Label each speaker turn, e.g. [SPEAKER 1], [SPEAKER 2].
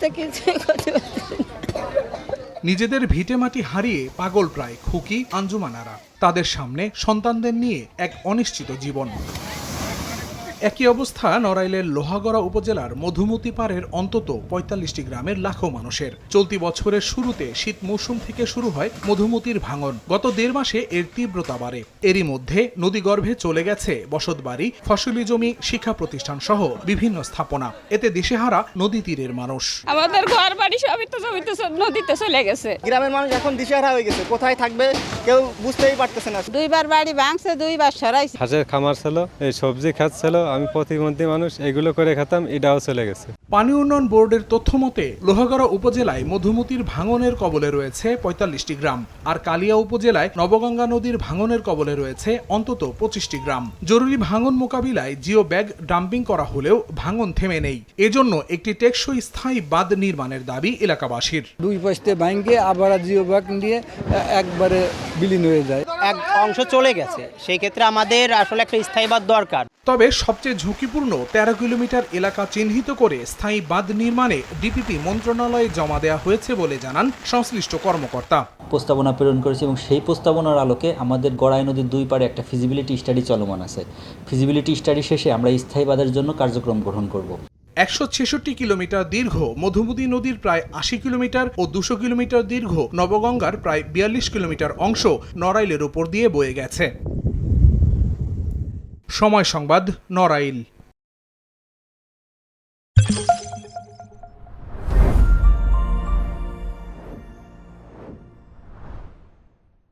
[SPEAKER 1] তো কিছুই করতে পারছি না।
[SPEAKER 2] নিজেদের ভিটেমাটি হারিয়ে পাগল প্রায় খুকি আঞ্জুমানারা। তাদের সামনে সন্তানদের নিয়ে এক অনিশ্চিত জীবন। একই অবস্থা নড়াইলের লোহাগড়া উপজেলার মধুমতি পাড়ের অন্তত ৪৫টি গ্রামের লাখো মানুষের। চলতি বছরের শুরুতে শীত মৌসুম থেকে শুরু হয় মধুমতির ভাঙন। গত ১.৫ মাসে এর তীব্রতা বাড়ে। এরই মধ্যে নদীগর্ভে চলে গেছে বসতবাড়ি, ফসলি জমি, শিক্ষা প্রতিষ্ঠান সহ বিভিন্ন স্থাপনা। এতে দিশেহারা নদী তীরের মানুষ।
[SPEAKER 3] আমাদের ঘর বাড়ি সবই তো জমিতে নদীতে চলে গেছে।
[SPEAKER 4] গ্রামের মানুষ এখন দিশেহারা হয়ে গেছে, কোথায় থাকবে কেউ বুঝতেই পারতেছে না।
[SPEAKER 1] ২বার বাড়ি ভাঙছে, ২বার সরাইছে।
[SPEAKER 5] হাঁসের খামার ছিল, এই সবজি খাত ছিল, আমি প্রতিবন্ধী মানুষ, এগুলো করে খেতাম, এটাও চলে গেছে।
[SPEAKER 2] পানি উন্নয়ন বোর্ডের তথ্য মতে লোহাগড়া উপজেলায় মধুমতির ভাঙনের কবলে রয়েছে ৪৫টি গ্রাম, আর কালিয়া উপজেলায় নবগঙ্গা নদীর ভাঙনের কবলে রয়েছে অন্তত ২৫টি গ্রাম। জরুরি ভাঙন মোকাবিলায় জিও ব্যাগ ডাম্পিং করা হলেও ভাঙন থেমে নেই। এজন্য একটি টেকসই স্থায়ী বাঁধ নির্মাণের দাবি এলাকাবাসীর।
[SPEAKER 6] ২ পাশে ভাঙে আবার জিও ব্যাগ দিয়ে একবারে বিলীন হয়ে যায়।
[SPEAKER 4] এক অংশ চলে গেছে, সেই ক্ষেত্রে আমাদের আসলে একটা স্থায়ী বাঁধ দরকার।
[SPEAKER 2] তবে সবচেয়ে ঝুঁকিপূর্ণ ১৩ কিলোমিটার এলাকা চিহ্নিত করে স্থায়ী বাঁধ নির্মাণে ডিপিপি মন্ত্রণালয়ে জমা দেওয়া হয়েছে বলে জানান সংশ্লিষ্ট কর্মকর্তা।
[SPEAKER 7] প্রস্তাবনা প্রেরণ করেছি এবং সেই প্রস্তাবনার আলোকে আমাদের গড়াই নদীর ২ পাড়ে একটা ফিজিবিলিটি স্টাডি চলমান আছে। ফিজিবিলিটি স্টাডি শেষে আমরা স্থায়ী বাঁধের জন্য কার্যক্রম গ্রহণ করব।
[SPEAKER 2] ১৬৬ কিলোমিটার দীর্ঘ মধুমতি নদীর প্রায় ৮০ কিলোমিটার ও ২০০ কিলোমিটার দীর্ঘ নবগঙ্গার প্রায় ৪২ কিলোমিটার অংশ নড়াইলের উপর দিয়ে বয়ে গেছে। সময় সংবাদ, নড়াইল।